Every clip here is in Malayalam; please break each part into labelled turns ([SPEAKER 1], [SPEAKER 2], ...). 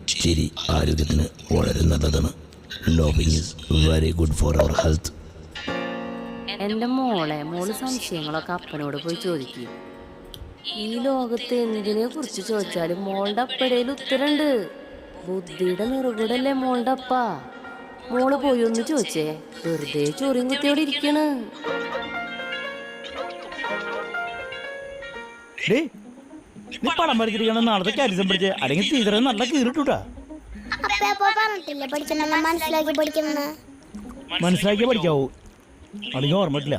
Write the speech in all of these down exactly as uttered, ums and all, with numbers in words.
[SPEAKER 1] ചിരി ആരോഗ്യത്തിന് വളരെ നല്ലതാണ്. Laughing is very good for our health.
[SPEAKER 2] എൻ്റെ മോളെ മോള് സംശയങ്ങളൊക്കെ അപ്പനോട് പോയി ചോദിക്കും. ഈ ലോകത്ത് എന്തിനെ കുറിച്ച് ചോദിച്ചാലും മോളുടെ അപ്പടയിൽ ഉത്തരണ്ട്. ബുദ്ധിയുടെ നിറകൂടല്ലേ മോളുടെ അപ്പ. മോള് പോയി ഒന്ന് ചോദിച്ചേ, വെറുതെ ചോറിയും കുത്തിയോടെ ഇരിക്കണ്.
[SPEAKER 3] നീ പടം വരച്ചിരിക്കണം നാളത്തെ കാരിസം പഠിച്ചേ, അല്ലെങ്കിൽ ടീച്ചറെ നല്ല കീറിട്ടൂട്ടാ. മനസ്സിലാക്കി പഠിക്കാവൂ, അല്ലെങ്കിൽ ഓർമ്മയിട്ടില്ല.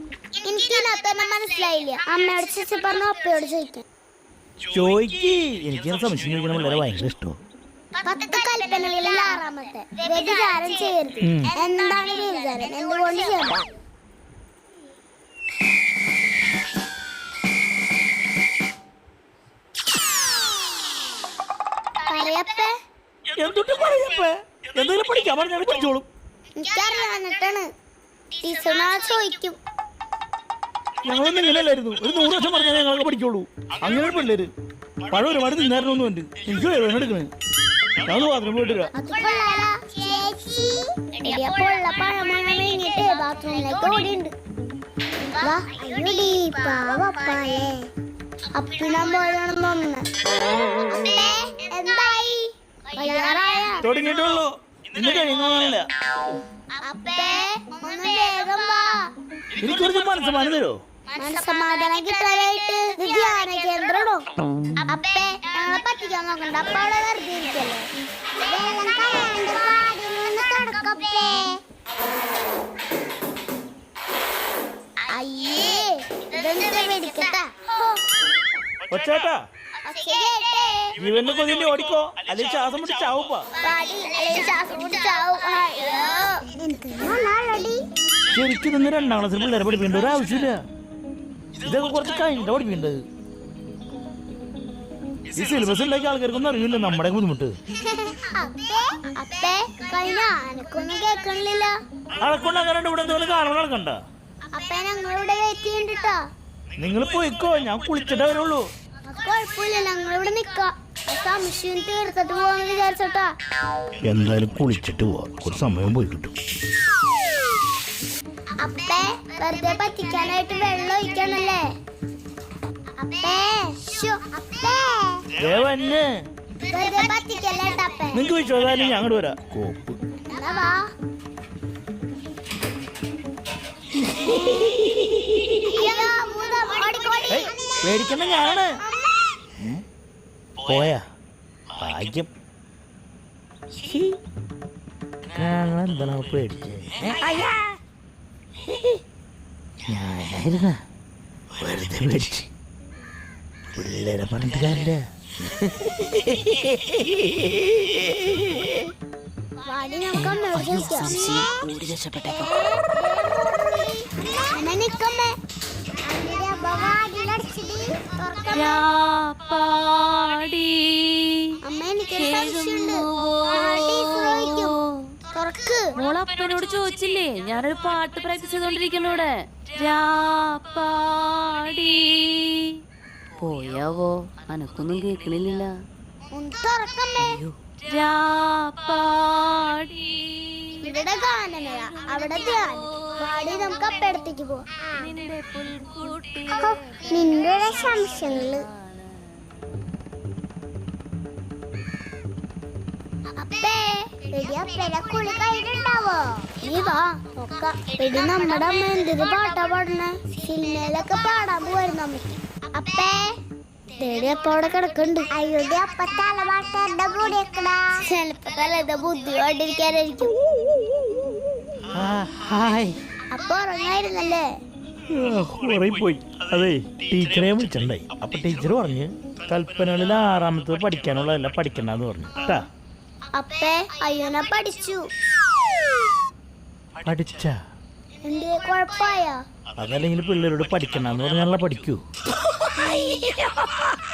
[SPEAKER 3] ചോയ്ക്ക് എനിക്ക് സംശയം ചോദിക്കണം വളരെ ഭയങ്കര ഇഷ്ടമാണ്. എന്തൊട്ട് പറയപ്പേ, എന്തെങ്കിലും പഠിക്കാൻ പറഞ്ഞാൽ പഠിച്ചോളും. ഞങ്ങളൊന്നും ഇങ്ങനെയല്ലായിരുന്നു. ഒരു നൂറ് വർഷം പറഞ്ഞാൽ ഞങ്ങളൊക്കെ പഠിക്കുള്ളൂ. അങ്ങനെ പിള്ളേര് പഴം ഒരുപാട് തിന്നായിരുന്നൊന്നും ഉണ്ട്. എനിക്ക് വേദന എടുക്കണേ. ഞാൻ ബാത്റൂം പോയിട്ട് വരാം. തുടങ്ങിയിട്ടുള്ളൂ, ഇന്ന് കഴിയുന്നില്ല. എനിക്ക് കുറച്ച് മനസ്സമാനം തരോ?
[SPEAKER 4] മനസ്സമാധാനം കിട്ടാനായിട്ട് ധ്യാന കേന്ദ്രമോ? അപ്പേ ഞങ്ങളെ പറ്റിക്കാൻ നോക്കണ്ട. അപ്പ അവിടെ വെറുതെ ഇരിക്കല്ലേ. വെള്ളം കളയാണ്ട് പാടിനൊന്ന് കിടക്കപ്പേ. അയ്യേ ഇതെന്താ വെടിക്കട്ടാ?
[SPEAKER 3] ഒച്ചേട്ടാ ജീവന്റെ കൊതിന്റെ ഓടിക്കോ, അല്ലെങ്കിൽ ശ്വാസം മുട്ടി ചാവുപ്പാ. ശരിക്കും നിന്ന് രണ്ടാം ക്ലാസ്സിൽ പിള്ളേരെ പഠിപ്പിക്കേണ്ട ഒരു ആവശ്യമില്ല. ഇതൊക്കെ കുറച്ച് കഴിഞ്ഞിട്ടാ പഠിപ്പിക്കേണ്ടത്. ഈ സിലബസ് ഉണ്ടാക്കിയ ആൾക്കാർക്കൊന്നും അറിയില്ല നമ്മുടെ ബുദ്ധിമുട്ട്. അളക്കൊണ്ടാകാണ്ട് ഇവിടെ എന്തെങ്കിലും കാണുമ്പോൾ നടക്കണ്ട. നിങ്ങൾ പോയിക്കോ, ഞാൻ കുളിച്ചിട്ടേ വരുള്ളൂ. എന്തായാലും കുളിച്ചിട്ട് പോവാ, ഒരു സമയം പോയി കിട്ടും.
[SPEAKER 4] അപ്പേ വെറുതെ പറ്റിക്കാനായിട്ട് വെള്ളം ഒഴിക്കണല്ലേ?
[SPEAKER 3] നിങ്ങക്ക് വിശ്വാസം ഞങ്ങോട്ട് വരാം. കോപ്പ് പേടിക്കണ്ട, ഞാനാണ്. പോയാ ഭാഗ്യം. എന്താണ് പേടിച്ചേ? ഞാനായിരുന്ന വെറുതെ പേടിച്ച് പിള്ളേരെ പറഞ്ഞിട്ട് കാര്യമില്ല.
[SPEAKER 2] മോളപ്പനോട് ചോദിച്ചില്ലേ? ഞാനൊരു പാട്ട് പ്രാക്ടീസ് ചെയ്തോണ്ടിരിക്കുന്നൂടെ. പോയാവോ? അനക്കൊന്നും കേക്കണില്ല.
[SPEAKER 4] നിന്റെ സംശയങ്ങള് നമ്മുടെ അമ്മ എന്തൊരു പാട്ടാ പാടണേ. സിനിമയിലൊക്കെ പാടാൻ പോവായിരുന്നു അമ്മയ്ക്ക്. അപ്പേ തേടി അപ്പ അവിടെ കിടക്കണ്ട്. അയ്യോടെ അപ്പ തലപാട്ട് എന്റെ കൂടെ ചിലപ്പോ തലേത ബുദ്ധി കൊണ്ടിരിക്കാനായിരിക്കും. അപ്പൊ ഉറങ്ങായിരുന്നല്ലേ?
[SPEAKER 3] പോയി. അതെ, ടീച്ചറെ വിളിച്ചിട്ടുണ്ടായി. അപ്പൊ ടീച്ചർ പറഞ്ഞ് കൽപ്പനകളിൽ ആറാമത്തത് പഠിക്കാനുള്ളതല്ല പഠിക്കണ്ടെന്ന് പറഞ്ഞു കേട്ടാ.
[SPEAKER 4] അപ്പേ അയ്യോനെ പഠിച്ചു.
[SPEAKER 3] പഠിച്ച
[SPEAKER 4] എന്തേ കുഴപ്പമായ?
[SPEAKER 3] അതല്ലെങ്കിൽ പിള്ളേരോട് പഠിക്കണ്ടെന്ന് പറഞ്ഞാൽ പഠിക്കൂ.